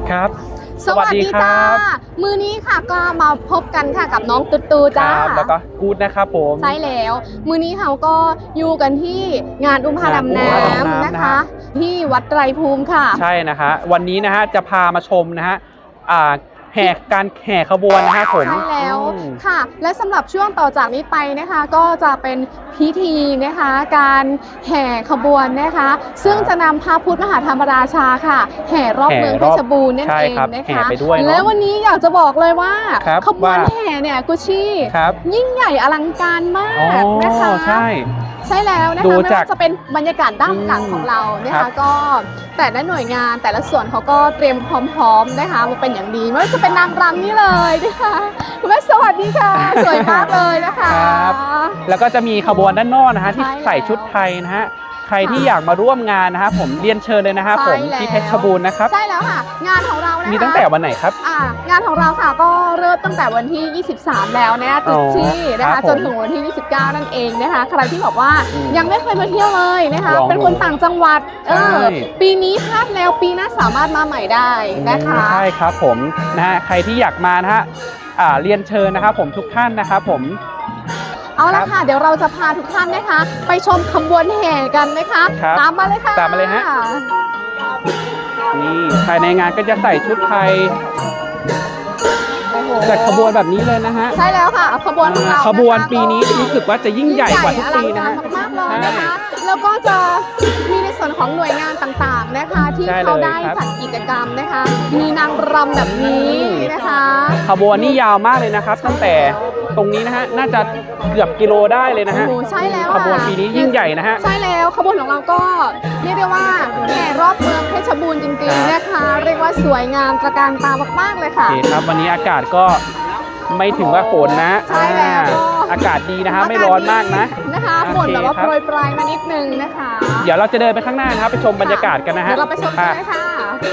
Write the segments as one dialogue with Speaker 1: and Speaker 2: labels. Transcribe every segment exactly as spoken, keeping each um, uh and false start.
Speaker 1: ครับ
Speaker 2: สวัสดีจ้ามือนี้ค่ะก็มาพบกันค่ะกับน้องตุ๊ตูจ้า
Speaker 1: แล้วก็กูดนะครับผม
Speaker 2: ใช่แล้วมือนี้เขาก็อยู่กันที่งานอุ้มพาดำน้ำนะคะที่วัดไตรภูมิค่ะ
Speaker 1: ใช่นะคะวันนี้นะฮะจะพามาชมนะฮะอ่าแห่การแห่ขบวนนะคะผม
Speaker 2: ใช่แล้วค่ะและสำหรับช่วงต่อจากนี้ไปนะคะก็จะเป็นพิธีนะคะการแห่ขบวนนะคะซึ่งจะนำพระพุทธมหาธรรมราชาค่ะแห่รอบเมืองเพชรบูรณ์นั่นเองนะคะและวันนี้อยากจะบอกเลยว่าขบวนแห่เนี่ยกุชี่ยิ่งใหญ่อลังการมากนะคะ
Speaker 1: ใช่
Speaker 2: ใช่แล้วนะคะไม่ว่าจะเป็นบรรยากาศด้านหลังของเรานะคะก็แต่ละหน่วยงานแต่ละส่วนเขาก็เตรียมพร้อมๆนะคะมาเป็นอย่างดีไม่ว่าจะเป็นนางรำนี่เลยนะคะคุณแม่สวัสดีค่ะสวยมากเลยนะคะ
Speaker 1: แล้วก็จะมีขบวนด้านนอกนะฮะที่ใส่ชุดไทยนะฮะใครที่อยากมาร่วมงานนะครับผมเรียนเชิญเลยนะครับผมที่เพชรบูรณ์นะครับ
Speaker 2: ใช่แล้วค่ะงานของเรานะคะ
Speaker 1: มีตั้งแต่วันไหนครับ
Speaker 2: อ่างานของเราค่ะก็เริ่มตั้งแต่วันที่ยี่สิบสามแล้วนะจุดที่นะคะจนถึงวันที่ยี่สิบเก้านั่นเองนะคะใครที่บอกว่ายังไม่เคยมาเที่ยวเลยนะคะเป็นคนต่างจังหวัดเออปีนี้พลาดแล้วปีหน้าสามารถมาใหม่ได้นะคะ
Speaker 1: ใช่ครับผมนะฮะใครที่อยากมานะฮะอ่าเรียนเชิญนะครับผมทุกท่านนะครับผม
Speaker 2: เอาละค่ะเดี๋ยวเราจะพาทุกท่านนะคะไปชมขบวนแห่กันนะคะตามมาเลยค่ะ
Speaker 1: ตามมาเลยฮะนี่ภายในงานก็จะใส่ชุดไทยจัดขบวนแบบนี้เลยนะฮะ
Speaker 2: ใช่แล้วค่ะขบวนของเรา
Speaker 1: ขบวนปีนี้รู้สึกว่าจะยิ่งใหญ่กว่าทุกปีนะฮะ
Speaker 2: มากๆเลยนะคะแล้วก็จะมีในส่วนของหน่วยงานต่างๆนะคะที่เขาได้จัดกิจกรรมนะคะมีนางรำแบบนี้นะคะ
Speaker 1: ขบวนนี่ยาวมากเลยนะครับตั้งแต่ตรงนี้นะฮะน่าจะเกือบกิโลได้เลยนะฮะ
Speaker 2: โอ้ใช่แล้ว
Speaker 1: ขบวนปีนี้ยิ่งใหญ่นะฮะ
Speaker 2: ใช่แล้วขบวนของเราก็เรียกได้ว่าแห่รอบเมืองเพชรบูรณ์จริงๆนะคะเรียกว่าสวยงามตระการตามากๆเลยค่ะ
Speaker 1: โอเคครับวันนี้อากาศก็ไม่ถึงว่าฝนนะ
Speaker 2: ใช่แล้ว
Speaker 1: อากาศดีนะคะไม่ร้อนมากนะ
Speaker 2: นะคะฝนแบบว่าโปรยปลายมานิดนึงนะคะ
Speaker 1: เดี๋ยวเราจะเดินไปข้างหน้านะครับไปชมบรรยากาศกันนะฮะ
Speaker 2: เดี๋ยวเราไปชมกันเลยค่ะ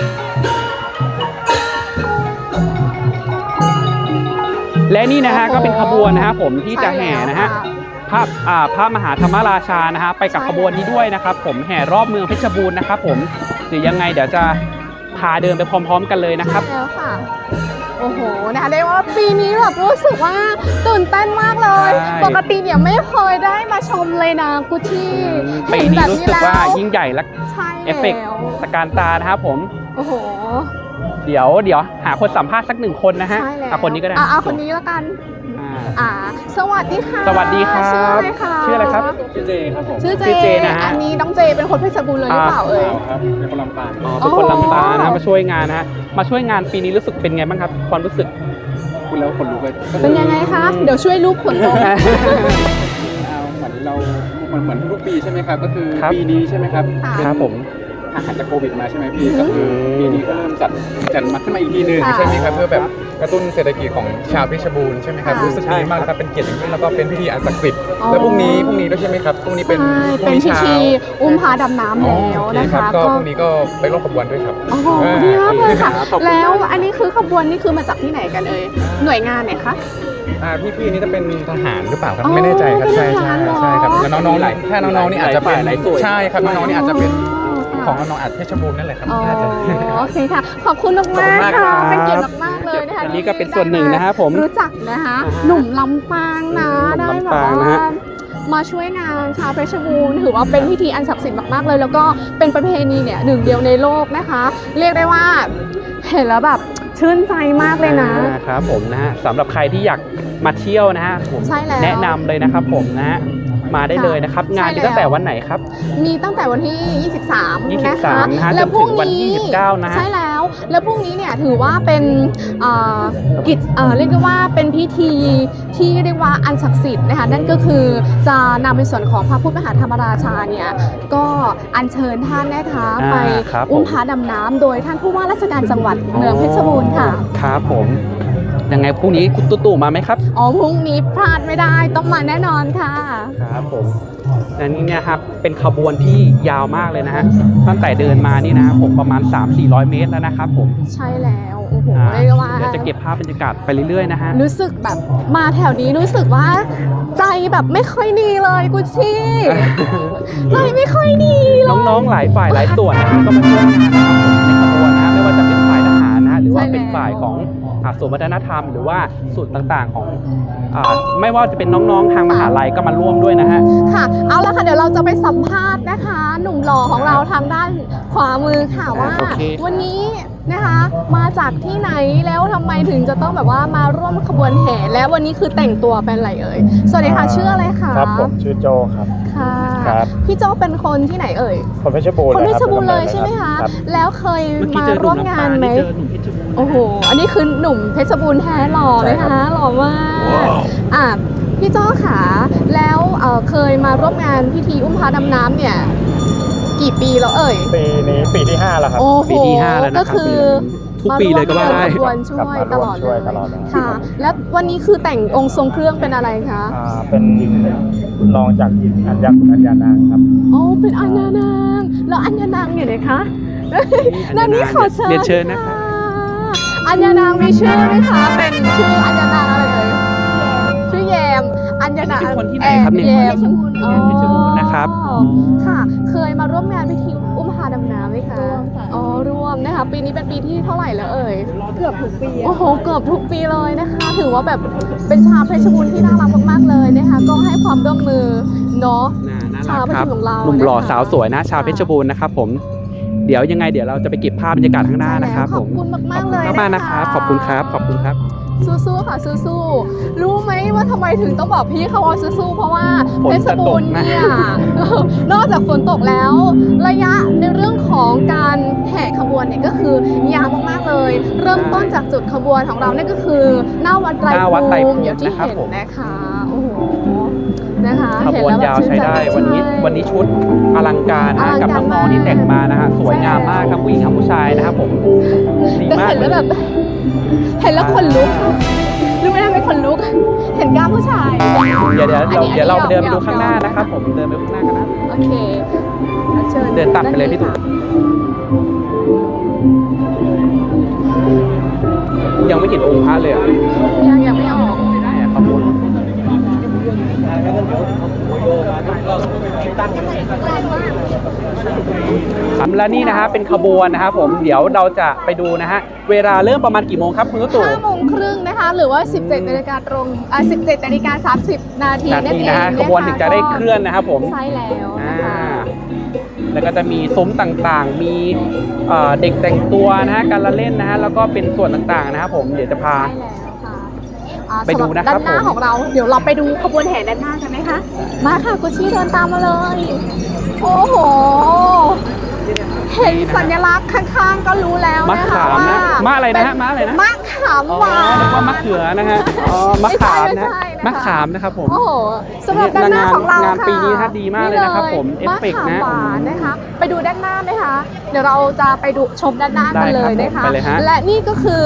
Speaker 1: และนี่นะฮะก็เป็นขบวนนะฮะผมที่จะแห่นะฮะพระอ่าพระมหาธรรมราชานะฮะไปกับขบวนนี้ด้วยนะครับผมแห่รอบเมืองเพชรบูรณ์นะครับผมหรือยังไงเดี๋ยวจะพาเดินไปพร้อมๆกันเลยนะครับ
Speaker 2: แล้วค่ะโอ้โหนะคะเรียกว่าปีนี้แบบรู้สึกว่าตื่นเต้นมากเลยปกติเนี่ยไม่เคยได้มาชมเลยนะกุชี่
Speaker 1: ปีนี้รู้สึกว่ายิ่งใหญ่และเอฟเฟกต์ตะการตานะครับผม
Speaker 2: โอ้โห
Speaker 1: เดี๋ยวเดี๋ยวหาคนสัมภาษณ์สักหนึ่งคนนะฮะเอาคนนี้ก็ได้
Speaker 2: อ่าคนนี้แล้วกันอ่าสวัสดีค่ะ
Speaker 1: สวัสดีครับชื่ออะไรครับ
Speaker 3: ชื่อเจครับผม
Speaker 2: ชื่อเจนะฮะอันนี้น้องเจเป็นคนเพชรบูรณ์เลยหรือเปล่าเอ่ย
Speaker 3: ครับเป็นคนลำปาง
Speaker 1: อ๋อเป็นคนลำปางนะมาช่วยงานนะฮะมาช่วยงานปีนี้รู้สึกเป็นไงบ้างครับความรู้สึก
Speaker 3: คุณแล้วคนรู้เลย
Speaker 2: เป็นยังไงคะเดี๋ยวช่วยรูปคนลง
Speaker 3: เหมือนเราเหมือนเหมือนทุกปีใช่ไหมครับก็คือปีนี้ใช่ไหมครับ
Speaker 1: ครับผม
Speaker 3: อาหารจากโควิดมาใช่ไหมพี่ก็คือปีนี้ก็เริ่มจัดจัดมาขึ้นมาอีกทีนึงใช่ไหมครับเพื่อแบบกระตุ้นเศรษฐกิจของชาวเพชรบูรณ์ใช่ไหมครับรู้สึกดีมากครับเป็นเกียรติอย่างยิ่งแล้วก็เป็นพิธีอันศักดิ์สิทธิ์แล้วพรุ่งนี้พรุ่งนี้ด้วยใช่ไหมครับพรุ่งนี้เป็น
Speaker 2: เป็นพิธีอุ้มพาดำน้ำแล้วนะคะ
Speaker 3: ก็พรุ่งนี้ก็ไปร่วมขบวนด้วยครับ
Speaker 2: โอ้โหดีมากเลยค่ะแล้วอันนี้คือขบวนนี่คือมาจากที่ไหนกันเอ่ยหน่วยงานไหนคะ
Speaker 3: อ่าพี่ๆนี่จะเป็นทหารหรือเปล่าครับไม่แน่ใจครับใช่ใช่ใช่ครับแล้วน้องๆหลายถ้าน้องๆนี่อาจจะเป็นใช่ครับน้องๆนี่อาจจะเป็นของน้องอาจเพชรบูรณ์นั่นแหละครับ
Speaker 2: โอเคค่ะขอบคุณมากมากค่ะเป็นเกียรติมากเลยนะคะ
Speaker 1: อันนี้ก็เป็นส่วนหนึ่งนะครับผม
Speaker 2: รู้จักนะคะหนุ่มลำปางนะได้แบบว่ามาช่วยงานชาวเพชรบูรณ์ถือว่าเป็นพิธีอันศักดิ์สิทธิ์มากๆเลยแล้วก็เป็นประเพณีเนี่ยหนึ่งเดียวในโลกนะคะเรียกได้ว่าเห็นแล้วแบบชื่นใจมากเลยนะครับ
Speaker 1: ผมนะฮะสำหรับใครที่อยากมาเที่ยวนะฮะผมแนะนำเลยนะครับผมนะฮะมาได้เลยนะครับงานมีตั้งแต่วันไหนครับ
Speaker 2: มีตั้งแต่วันที่ยี่สิบสาม
Speaker 1: นะคะแล้วพรุ่งนี้ยี่สิบเก้านะ
Speaker 2: ใช่แล้วแล้วพรุ่งนี้เนี่ยถือว่าเป็นกิจเรียกได้ว่าเป็นพิธีที่เรียกว่าอันศักดิ์สิทธิ์นะคะนั่นก็คือจะนำในส่วนของพระพุทธมหาธรรมราชาเนี่ยก็อัญเชิญท่านนะคะไปอุ้มพาดำน้ำโดยท่านผู้ว่าราชการจังหวัดเมืองเพชรบูรณ์ค่ะ
Speaker 1: ครับผมยังไงพรุ่งนี้คุณตู่มาไหมครับ
Speaker 2: อ๋อพรุ่งนี้พลาดไม่ได้ต้องมาแน่นอนค่ะ
Speaker 1: ครับผมอันนี้เนี่ยครับเป็นขบวนที่ยาวมากเลยนะฮะตั้งแต่เดินมานี่นะครับผมประมาณ สามถึงสี่ร้อย เมตรแล้วนะครับผม
Speaker 2: ใช่แล้วโอ้โหเรียกว่า
Speaker 1: เดี๋ยวจะเก็บภาพบรรยากาศไปเรื่อยๆนะฮะ
Speaker 2: รู้สึกแบบมาแถวนี้รู้สึกว่าใจแบบไม่ค่อยดีเลยกุชี่ใจไม่ค่อยดี
Speaker 1: น้องๆหลายฝ่ายหลายส่วนนะครับก็มาช่วยงานในขบวนนะไม่ว่าจะเป็นฝ่ายทหารนะอ่าศูนย์วัฒนธรรมหรือว่าศูนย์ต่างๆของอ่าไม่ว่าจะเป็นน้องๆทางมหาลัยก็มาร่วมด้วยนะฮะ
Speaker 2: ค่ะเอาละค่ะเดี๋ยวเราจะไปสัมภาษณ์นะคะ หนุ่มหล่อของเราทางด้านขวามือค่ะว่า
Speaker 1: โอเค
Speaker 2: วันนี้นะคะมาจากที่ไหนแล้วทำไมถึงจะต้องแบบว่ามาร่วมขบวนแห่และวันนี้คือแต่งตัวเป็นอะไรเอ่ยสวัสดีค่ะชื่ออะไรคะ
Speaker 4: ครับผมชื่อโจครับ
Speaker 2: ค่ะ
Speaker 4: ครับ
Speaker 2: พี่โจเป็นคนที่ไหนเอ่ย
Speaker 4: คนเพชรบูรณ์
Speaker 2: คนเพชรบูรณ์
Speaker 4: นะ
Speaker 2: เลยใช่ไหมคะ
Speaker 4: รับ
Speaker 2: แล้วเคย
Speaker 1: เมื่อกี้
Speaker 2: มา
Speaker 1: เจอห
Speaker 2: ร่
Speaker 1: นุ่
Speaker 2: ว
Speaker 1: ม
Speaker 2: ม
Speaker 1: น้ำ
Speaker 2: งา
Speaker 1: ตาน ล
Speaker 2: ไหม
Speaker 1: นี่เจอหนุ่มเพชรบูรณ์
Speaker 2: โอ้โหอันนี้คือหนุ่มเพชรบูรณ์แท้หล่อเลยคะหล่อมากอ่ะพี่โจขาแล้วเอ่อเคยมาร่วมงานพิธีอุ้มพระดำน้ำเนี่ยกี่ปีแล้วเอ่ย
Speaker 4: ปีนี้ปีที่ห้าแล้วครับ
Speaker 2: โอ้โห
Speaker 1: ปีที่ห้าแล้วนะครับ
Speaker 2: ก็คือ
Speaker 1: ทุกปีเลยก็ว่าได้
Speaker 2: มร่วมขบวนช่วย
Speaker 4: กลับมา
Speaker 2: ต
Speaker 4: ร่วม
Speaker 2: ลอด
Speaker 4: ช่
Speaker 2: เล
Speaker 4: วย
Speaker 2: ย
Speaker 4: ตลอดเลย
Speaker 2: ค่ะ แล้ววันนี้คือแต่งองค์ทรงเครื่องเป็นอะไรคะ
Speaker 4: อ่าเป็นรองจากอัญญาคุณอัญญานางครับ
Speaker 2: โอ้เป็นอัญญานางแล้วอัญญานางอยู่ไหนคะนั่นนี่ขอเชิญ
Speaker 1: เรียนเชิญนะคะ
Speaker 2: อัญญานางมีชื่อไหมคะเป็นชื่ออัญญานางอะไรเอ่ยชื่อแยมอัญญานาง
Speaker 1: เป็นคนที่ไหนครับเนี่ย
Speaker 2: แยม
Speaker 1: อ๋อเพชรบูรณ์นะครับ
Speaker 2: อ๋อค่ะ เคยมาร่วมงานพิธีอุ้มพาดำน้ำไหมคะอ๋อร่วมนะคะปีนี้เป็นปีที่เท่าไหร่แล้วเอ่ยเกือบทุกปีโอ้โหเกือบทุกปีเลยนะคะ ถือว่าแบบเป็นชาวเพชรบูรณ์ที่น่ารักมากๆเลยนะคะก็ให้ความร่วมมือเนาะ
Speaker 1: น่าน่า
Speaker 2: ชา
Speaker 1: รั
Speaker 2: ว
Speaker 1: ก
Speaker 2: เพช
Speaker 1: ครับ
Speaker 2: รของเรา
Speaker 1: หนุ่มหล่อ
Speaker 2: นะคะ
Speaker 1: สาวสวยนะชาวเพชรบูรณ์นะครับผมเดี๋ยวยังไงเดี๋ยวเราจะไปเก็บภาพบรรยากาศข้างหน้านะครับ
Speaker 2: ข
Speaker 1: ผ
Speaker 2: อบ
Speaker 1: ม
Speaker 2: คุณมากๆเลย
Speaker 1: ขอบคุณมากๆนะครับขอบคุณครับขอบคุณครับ
Speaker 2: สู้ๆค่ะสู้ๆรู้ไหมว่าทำไมถึงต้องบอกพี่เขาว่าสู้ๆเพราะว่า
Speaker 1: ฝน
Speaker 2: เพชรบูรณ์
Speaker 1: จะตกนะ
Speaker 2: เนี่ย นอกจากฝนตกแล้ว ระยะในเรื่องของการแห่ขบวนเนี่ยก็คือยาวมากๆเลย เริ่มต้นจากจุดขบวนของเราเนี่ยก็คือหน้าวัดไตร
Speaker 1: หน้าวัดไตร
Speaker 2: ภู
Speaker 1: ภู
Speaker 2: มิ
Speaker 1: มิ
Speaker 2: อย่างที่
Speaker 1: นะครับ
Speaker 2: เห็น
Speaker 1: ผม
Speaker 2: นะคะโอ้โหนะคะ
Speaker 1: ขบวน
Speaker 2: เห็
Speaker 1: ยาว
Speaker 2: แล้
Speaker 1: ใช้ได้
Speaker 2: แบบ
Speaker 1: วันนี้
Speaker 2: ใช่
Speaker 1: วันนี้ชุดอลังการนะ
Speaker 2: อลัง
Speaker 1: กับ
Speaker 2: การ
Speaker 1: น้องๆที่แต่งมานะฮะสวยงามมากทั้งผู้หญิงทั้งผู้ชายนะครับผมดี
Speaker 2: แต่
Speaker 1: มาก
Speaker 2: เห็น
Speaker 1: เล
Speaker 2: แล้ว
Speaker 1: ย
Speaker 2: แบบ เห็นแล้วขนลุกรู้ไหมทำไมขนลุก เห็นกล้ามผู้ชาย
Speaker 1: เดี๋ยวเดี๋ยว
Speaker 2: อัน
Speaker 1: เรา
Speaker 2: นี้
Speaker 1: เดี๋ยวเรา
Speaker 2: อันนี้
Speaker 1: เดินไป
Speaker 2: ยอม
Speaker 1: ดูข้างหน้าย
Speaker 2: อม
Speaker 1: นะครับผมเดินไปข้างหน้ากันนะ
Speaker 2: โอเคเชิญ
Speaker 1: เดินตัดไปเลยพี่ตู่ ยังไม่เห็นองค์พระเลยอะ
Speaker 2: ยังยังไม่ออก
Speaker 1: แหมขบวนครับและนี่นะฮะเป็นขบวนนะครับผมเดี๋ยวเราจะไปดูนะฮะเวลาเริ่มประมาณกี่โมงครับคุณตุ๊ตู่
Speaker 2: ห้าโมงครึ่งนะคะ หรือว่า สิบเจ็ดนาฬิกาตรงอ่าสิบเจ็ดนาฬิกาสามสิบนาที
Speaker 1: นา
Speaker 2: นั่น
Speaker 1: ที
Speaker 2: เอง
Speaker 1: นะฮะ
Speaker 2: ค
Speaker 1: ขบวนถึงจะได้เคลื่อนนะครับผม
Speaker 2: ใช่แล้วนะ
Speaker 1: อ่า
Speaker 2: คะ
Speaker 1: แล้วก็จะมีซุ้มต่างๆ มีเอ่อเด็กแต่งตัวนะฮะการละเล่นนะฮะแล้วก็เป็นส่วนต่างๆนะครับผมเดี๋ยวจะพา
Speaker 2: ใช่แล้วค่ะอ่า
Speaker 1: ไปดูนะครับ
Speaker 2: สำหด้านหน้า
Speaker 1: ผม
Speaker 2: ของเรา เดี๋ยวเราไปดูขบวนแห่ด้านหน้ากันไหมคะ มาค่ะกุชชี่เดินตามมาเลย โอ้โห เห็นสัญลักษณ์ข้างๆ ก็รู้แล้ว
Speaker 1: มะ
Speaker 2: นะคะ
Speaker 1: ขาม
Speaker 2: ว่า
Speaker 1: นะมะอะไรนะฮะมะอะไรนะ
Speaker 2: มะขาม
Speaker 1: อ๋อ
Speaker 2: หวาน
Speaker 1: นึกว่ามะเขือนะฮะอ๋อมะขามนะ
Speaker 2: ไม่ใช่ไม่ใช่นะคะ
Speaker 1: มะขามนะครับผม
Speaker 2: โอ้โหสำหรับด้านหน้าของเรา
Speaker 1: งาน
Speaker 2: ค่ะ
Speaker 1: ปีนี้ฮะดีมากเลยนะครับผมเอฟเฟกต์นะ
Speaker 2: มะขามหวานนะคะ ไปดูด้านหน้าไหมคะ เดี๋ยวเราจะไปดูชมด้านหน้ากันเลย
Speaker 1: ได้
Speaker 2: นะ
Speaker 1: ครั
Speaker 2: คะ
Speaker 1: บผมไปเลยฮะ
Speaker 2: และนี่ก็คือ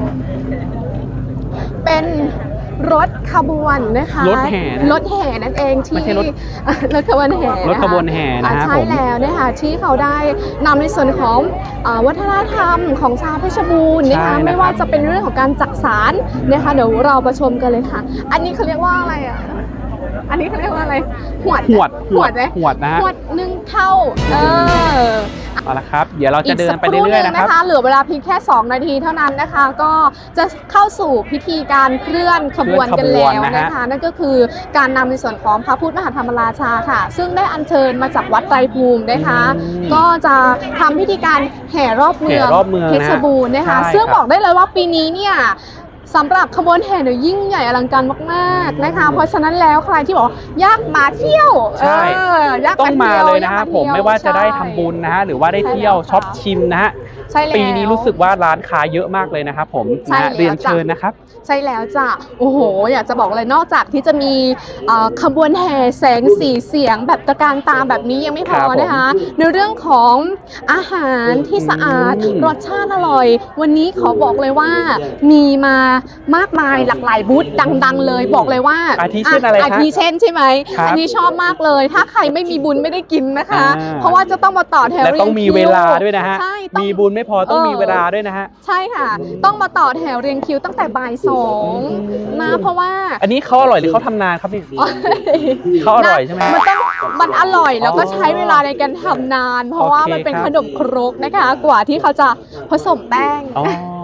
Speaker 2: เป็นรถขบวนนะคะ
Speaker 1: รถแห่นะ
Speaker 2: รถแห่นั่นเองที่
Speaker 1: ไม่ใช่รถ
Speaker 2: รถขบวนแห่ะคะ
Speaker 1: รถขบวนแห่นะฮะ
Speaker 2: อ่าใช่
Speaker 1: ผม
Speaker 2: แล้วนะคะที่เขาได้นำในส่วนของอ่าวัฒนธรรมของชาวเพชรบูรณ์นะคะ
Speaker 1: ใช่นะครับ
Speaker 2: ไม่ว่าจะเป็นเรื่องของการจักสารนะคะเดี๋ยวเราไปชมกันเลยค่ะ อันนี้เขาเรียกว่าอะไรอ่ะอันนี้เขาเรียกว่าอะไรหวด
Speaker 1: หวด
Speaker 2: หวดไหม
Speaker 1: หวดนะฮะ
Speaker 2: หวดหนึ่งเท่าเออ
Speaker 1: เอาละครับ เดี๋ยวเราจะเดินไป
Speaker 2: กสักค
Speaker 1: เรื่อยๆ
Speaker 2: ห
Speaker 1: นะครับ
Speaker 2: เหลือเวลาเพียงแค่ สอง นาทีเท่านั้นนะคะ ก็จะเข้าสู่พิธีการเคลื่อนขบวนกันแล้ว
Speaker 1: เคลื่อนขบวนนะฮะ
Speaker 2: นะคะ นั่นก็คือการนำในส่วนของพระพุทธมหาธรรมราชาค่ะ ซึ่งได้อัญเชิญมาจากวัดไตรภูมินะคะ ก็จะทำพิธีการแห่รอบเมือง
Speaker 1: แห่รอบเมืองนะ
Speaker 2: เพชรบูรณ์นะคะ
Speaker 1: ใช่
Speaker 2: ซึ่ง
Speaker 1: ครับ
Speaker 2: บอกได้เลยว่าปีนี้เนี่ยสำหรับขบวนแห่เนี่ยยิ่งใหญ่อลังการมากๆนะคะ เพราะฉะนั้นแล้วใครที่บอกว่าอยากมาเที่ยว
Speaker 1: ใช่
Speaker 2: เอออยาก
Speaker 1: ต้องมา
Speaker 2: ที่ว
Speaker 1: เลยนะ
Speaker 2: อ
Speaker 1: ฮะ
Speaker 2: ก
Speaker 1: ผม
Speaker 2: เที่ยว
Speaker 1: ไม่ว่าจะได้
Speaker 2: ใช่
Speaker 1: ทำบุญนะฮะหรือว่าได้
Speaker 2: ใช่
Speaker 1: เที่ยว
Speaker 2: แล้วค่ะ
Speaker 1: ช็อปชิมนะฮะ
Speaker 2: ใช่แล้ว
Speaker 1: ปีนี้รู้สึกว่าร้านค้าเยอะมากเลยนะครับผม
Speaker 2: ใช่
Speaker 1: นะฮะ
Speaker 2: แล้ว
Speaker 1: เรียน
Speaker 2: จ้ะ
Speaker 1: เชิญนะครับ
Speaker 2: ใช่แล้วจ้ะ โอ้โห อยากจะบอกเลยนอกจากที่จะมีเอ่อขบวนแห่แสงสีเสียงแบบตระการตาแบบนี้ยังไม่พอ
Speaker 1: ครับผม
Speaker 2: นะคะ ในเรื่องของอาหารที่สะอาด
Speaker 1: อืม
Speaker 2: รสชาติอร่อย วันนี้ขอบอกเลยว่ามีมามากมายหลากหลายบูธดังๆ เลยบอกเลยว่า
Speaker 1: อาทิเช่นอะไร
Speaker 2: อา
Speaker 1: คะ
Speaker 2: ทิเช่นใช่ไหม
Speaker 1: ครับ
Speaker 2: อันนี้ชอบมากเลย ถ้าใครไม่มีบุญไม่ได้กินนะคะ
Speaker 1: อ่า
Speaker 2: เพราะว่าจะต้องมาต่อแถว
Speaker 1: และต้องมี
Speaker 2: รียงคิ
Speaker 1: เวลาด้วยนะฮะ
Speaker 2: ใช่ต้อง
Speaker 1: มีบุญไม่พอต้อง
Speaker 2: เออ
Speaker 1: มีเวลาด้วยนะฮะ
Speaker 2: ใช่ค่ะ ต้องมาต่อแถวเรียงคิวตั้งแต่บ่ายสองนะเพราะว่า
Speaker 1: อันนี้เขาอร่อยหรือเขาทำนานครับนี่ เขาอร่อยใช่ไหม
Speaker 2: มันต้องมันอร่อยแล้วก็
Speaker 1: อ๋อ
Speaker 2: ใช้เวลาในการทำนาน เพราะว่า
Speaker 1: โอเค
Speaker 2: มันเป็น
Speaker 1: ครับ
Speaker 2: ขนมครกนะคะ กว่าที่เขาจะผสมแป้ง
Speaker 1: อ๋อ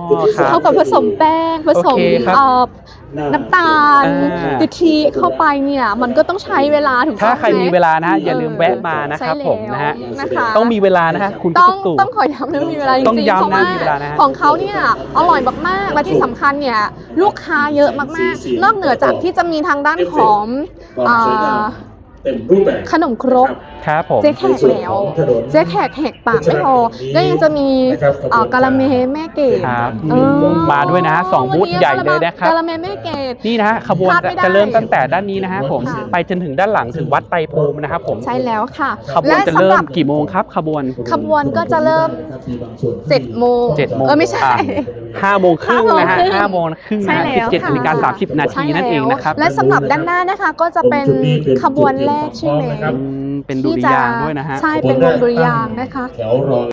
Speaker 1: ครับ
Speaker 2: เขากับผสมแป้งผสม
Speaker 1: โอเคครับ
Speaker 2: เอ่อน้ำตาล
Speaker 1: อ่าก
Speaker 2: ะทิเข้าไปเนี่ยมันก็ต้องใช้เวลาถูกต้อง
Speaker 1: ถ้าใคร
Speaker 2: ไห
Speaker 1: มีเวลานะฮะอย่าลืมแวะมานะครับ
Speaker 2: ใช่
Speaker 1: ผมนะฮะ
Speaker 2: แล้วนะคะ
Speaker 1: ต้องมีเวลานะฮะคุณ
Speaker 2: ต้
Speaker 1: พี่
Speaker 2: อง
Speaker 1: ตุ๊กตู่
Speaker 2: ต้องขอย้ำนะมีเวลาจริงๆ
Speaker 1: ต้องย้ำนะ
Speaker 2: เพราะว่า
Speaker 1: มีเวลานะฮะ
Speaker 2: ของเขาเนี่ยอร่อยมากๆและที่สำคัญเนี่ยลูกค้าเยอะมากๆ นอกเหนือจากที่จะมีทางด้านของอ่า
Speaker 5: เต็มรูปแบบ
Speaker 2: ขนมครก
Speaker 1: ครับผม
Speaker 2: เจ๊แขกแล้วเจ๊แขกแหกปากไม่พอก็ยังจะมีเอ่อกะละเมแม่เกด
Speaker 1: ครับ
Speaker 2: เออ
Speaker 1: มาด้วยนะฮะสองบูธใหญ่เลยนะครับ
Speaker 2: กะละเมแม่เกด
Speaker 1: นี่นะฮะขบวน
Speaker 2: พลาดไม่ได้
Speaker 1: จะเริ่มตั้งแต่ด้านนี้นะฮะผม
Speaker 2: ค่ะ
Speaker 1: ไปจนถึงด้านหลังถึงวัดไตรภูมินะครับผม
Speaker 2: ใช่แล้วค่ะ
Speaker 1: ขบวนจะ
Speaker 2: สำ
Speaker 1: เริ่
Speaker 2: หรั
Speaker 1: ม
Speaker 2: บ
Speaker 1: กี่โมงครับขบวน
Speaker 2: ขบวนก็จะเริ่มเจ็ดโมง
Speaker 1: เจ็ดโมง
Speaker 2: เออไม่ใช่
Speaker 1: ห้าโมงครึ่งนะฮะ
Speaker 2: ห้า
Speaker 1: ห้า
Speaker 2: โม
Speaker 1: โม
Speaker 2: ง
Speaker 1: ง
Speaker 2: ครึ่ง
Speaker 1: ครึ่งนะฮะ
Speaker 2: ใช่
Speaker 1: สิบ
Speaker 2: แล้ว
Speaker 1: เจ็ด
Speaker 2: ค่ะ
Speaker 1: นาฬิกาสามสิบนาทีนั่นเองนะครับ
Speaker 2: และสำหรับด้านหน้านะคะก็จะเป็นขบวนแรกใช่ไหม
Speaker 1: อืมเป็นดุริยางค์ด้วยนะฮะ
Speaker 2: ใช่เป็นวงดุริยางค์นะคะ
Speaker 5: แถวรอ